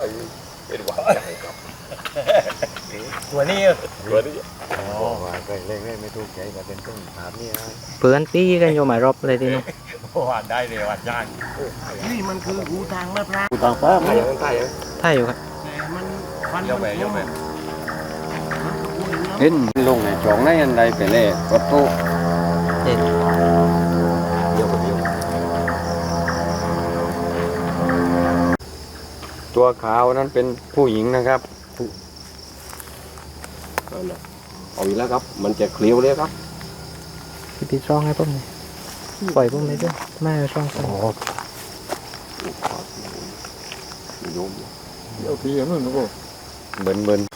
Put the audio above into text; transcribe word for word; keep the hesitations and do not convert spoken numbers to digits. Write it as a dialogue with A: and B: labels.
A: เป็นหวัดใหญ่ครับ
B: ตัวนี้
A: ตัวนี้
C: บอกว่าเคยเล่นเล่นไม่ถูกใจก็เป็นต้นถามนี่นะ
D: เพื่อนตีกันอยู่หมายรอบเลยทีนู้น
B: หวานได้เลยหวานย่าง
E: นี่มันคือหูทางมะพร้าว
C: กูต่างฟ้า
A: ใครยังใครยัง
D: ถ้าอยู่ครับ
E: แต่มันฟัน
B: เย
E: มั
B: อะ
E: น
B: แหวเยอะแหว
E: มันก็พูดอย่างนั้น
C: เห็นลงในช่องในอันใดไปเล่รถตู้
D: เด็ด
A: เดียวกับเดียว
C: ตัวขาวนั้นเป็นผู้หญิงนะครับ
A: นั่นน่ะเอาอีกแล้วครับ มันจะเคลียวเลยครับ
D: พี่ตีช่องให้ผมหน่อยปล่อยผมเลยด้วยไม่เอาช่องใส่
A: โยม
C: เบิ่นเบิ่น